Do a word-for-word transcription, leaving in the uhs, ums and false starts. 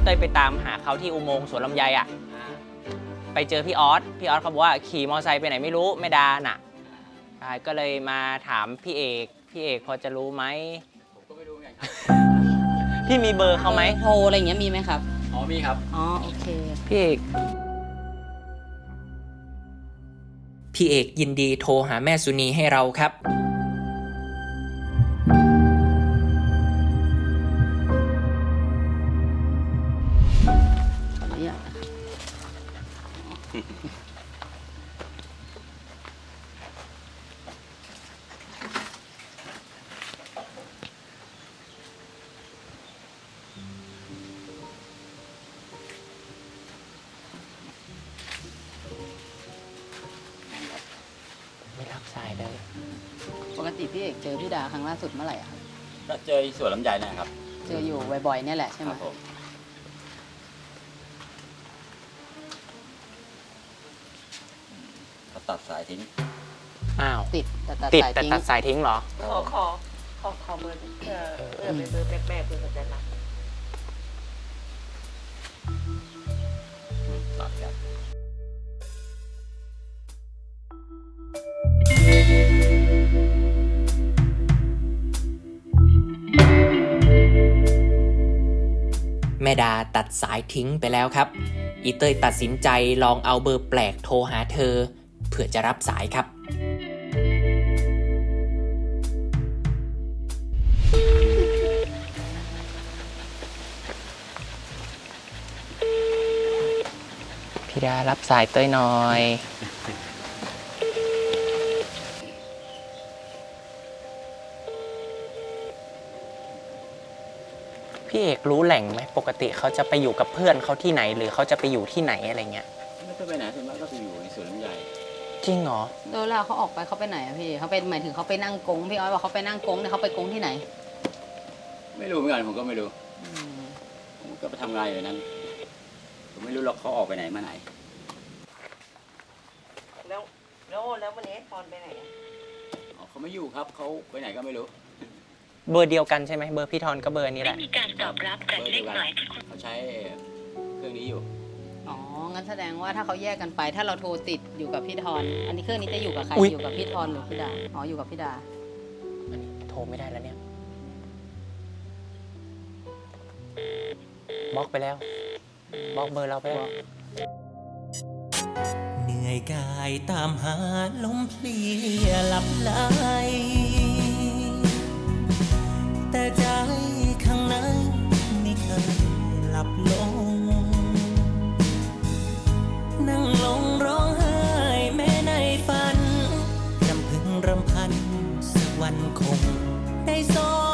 เต้ยไปตามหาเขาที่อุโมงค์สวนลำไยอ่ะไปเจอพี่ออสพี่ออสเขาบอกว่าขี่มอไซค์ไปไหนไม่รู้ไม่ดาน่ะก็เลยมาถามพี่เอกพี่เอกพอจะรู้ไหมผมก็ไม่รู้ไงพี่มีเบอร์เขาไหมโทรอะไรอย่างเงี้ยมีไหมครับอ๋อมีครับอ๋อโอเคพี่เอกพี่เอกยินดีโทรหาแม่สุนีให้เราครับขออนุญาตไม่รับสายเลยปกติพี่เอกเจอพี่ดาครั้งล่าสุดเมื่อไหร่ครับก็เจอสวนลำไยนะครับเจออยู่บ่อยๆเนี่ยแหละใช่ไหมเขาตัดสายทิ้งอ้าวติดแต่ตัดติดสายแต่ทิ้งตัดสายทิ้งเหรอขอขอขอขอเบอร์เพื่อเพื่อเป็นเบอร์แปลกๆเพื่อเขาจะรับตัดครับแม่ดาตัดสายทิ้งไปแล้วครับอีเต้ยตัดสินใจลองเอาเบอร์แปลกโทรหาเธอเพื่อจะรับสายครับพี่ดารับสายเต้ยหน่อยพี่เอกรู้แหล่งไหมปกติเขาจะไปอยู่กับเพื่อนเขาที่ไหนหรือเขาจะไปอยู่ที่ไหนอะไรเงี้ยไม่ต้องไปไหนส่วนมากก็ไปอยู่ในสวนลำไยจริงเหรอแล้วเวลาเขาออกไปเขาไปไหนอะพี่เขาเป็นหมายถึงเขาไปนั่งกงพี่อ้อยบอกเขาไปนั่งกงเนี่ยเขาไปกงที่ไหนไม่รู้เหมือนกันผมก็ไม่รู้ผมก็ไปทำงานอยู่นั้นผมไม่รู้หรอกเขาออกไปไหนมาไหนแล้วแล้วแล้ววันนี้ตอนไปไหนอ๋อเขาไม่อยู่ครับเขาไปไหนก็ไม่รู้เบอร์เดียวกันใช่ไหมเบอร์พี่ทอนก็เบอร์นี้แหละไม่มีการตอบรับจากเลขหมายที่เขาใช้เครื่องนี้อยู่อ๋องั้นแสดงว่าถ้าเขาแยกกันไปถ้าเราโทรติดอยู่กับพี่ทอนอันนี้เครื่องนี้จะอยู่กับใครอยู่กับพี่ทอนหรือพี่ดาอ๋ออยู่กับพี่ดาอันนี้โทรไม่ได้แล้วเนี่ยบล็อกไปแล้วบล็อกเบอร์เราไปแล้วเหนื่อยกายตามหาลมเพลียหลับไหลแต่ใจข้างในไม่เคยหลับลงนั่งลงร้องไห้แม้ในฝันรำพึงรำพันสักวันคงได้ส